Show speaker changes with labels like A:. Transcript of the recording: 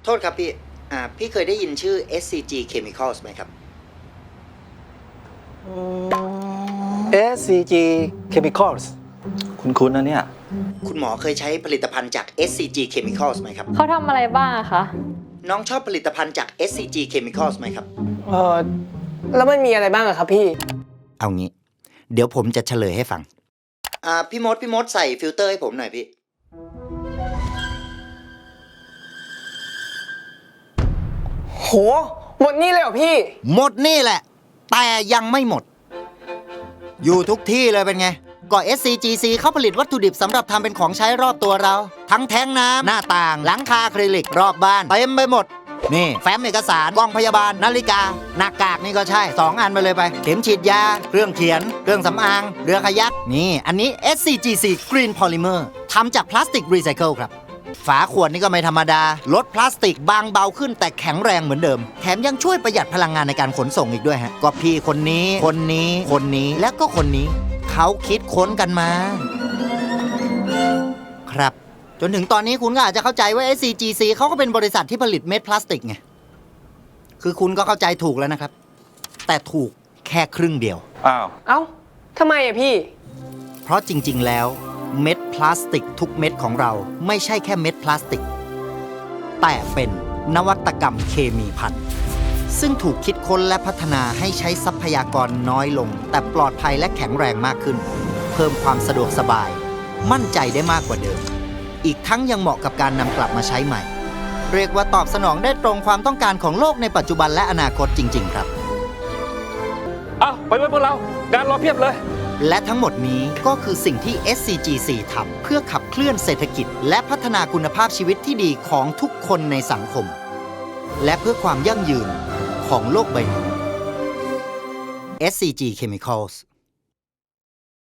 A: โทษครับพี่พี่เคยได้ยินชื่อ SCG Chemicals ไหมครับ
B: SCG Chemicals คุ้นๆนะเนี่ย
A: คุณหมอเคยใช้ผลิตภัณฑ์จาก SCG Chemicals ไหมครับ
C: เขาทำอะไรบ้างอะคะ
A: น้องชอบผลิตภัณฑ์จาก SCG Chemicals ไหมครับ
D: แล้วมันมีอะไรบ้างอะครับพี่
A: เอางี้ เดี๋ยวผมจะเฉลยให้ฟังพี่มดใส่ฟิลเตอร์ให้ผมหน่อยพี่
D: โห หมดนี่เลยเหรอพี่
A: หมดนี่แหละ แต่ยังไม่หมด อยู่ทุกที่เลยเป็นไง ก็ SCGC เขาผลิตวัตถุดิบสำหรับทำเป็นของใช้รอบตัวเรา ทั้งแท้งน้ำหน้าต่าง หลังคาอะคริลิกรอบบ้านเต็มไปหมด นี่ แฟ้มเอกสารกล้องพยาบาล นาฬิกา หน้ากากนี่ก็ใช่ 2 อันไปเลยไป เข็มฉีดยา เครื่องเขียน เครื่องสำอาง เรือคายัก นี่ อันนี้ SCGC Green Polymer ทำจากพลาสติกรีไซเคิลครับ ฝาขวดนี่ก็ไม่ธรรมดา ลดพลาสติกบางเบาขึ้นแต่แข็งแรงเหมือนเดิม แถมยังช่วยประหยัดพลังงานในการขนส่งอีกด้วยฮะ ก็พี่คนนี้ คนนี้ คนนี้ และก็คนนี้ เขาคิดค้นกันมา ครับ จนถึงตอนนี้คุณก็อาจจะเข้าใจว่า SCGC เขาก็เป็นบริษัทที่ผลิตเม็ดพลาสติกไง คือคุณก็เข้าใจถูกแล้วนะครับ แต่ถูกแค่ครึ่งเดียว
B: อ้าว
D: เอ้าทำไมอะพี่
A: เพราะจริงๆ แล้วเม็ดพลาสติกทุกเม็ดของเราไม่ใช่แค่เม็ดพลาสติก แต่เป็นนวัตกรรมเคมีพันธุ์ซึ่งถูกคิดค้นและพัฒนาให้ใช้ทรัพยากรน้อยลง แต่ปลอดภัยและแข็งแรงมากขึ้น เพิ่มความสะดวกสบาย มั่นใจได้มากกว่าเดิม อีกทั้งยังเหมาะกับการนำกลับมาใช้ใหม่ เรียกว่าตอบสนองได้ตรงความต้องการของโลกในปัจจุบันและอนาคตจริง ๆ ครับ
B: เอาไปไว้พวกเรา งานรอเพียบเลย
A: และทั้งหมดนี้ก็คือสิ่งที่ SCGC ทำเพื่อขับเคลื่อนเศรษฐกิจ และพัฒนาคุณภาพชีวิตที่ดีของทุกคนในสังคม และเพื่อความยั่งยืนของโลกใบนี้ SCG Chemicals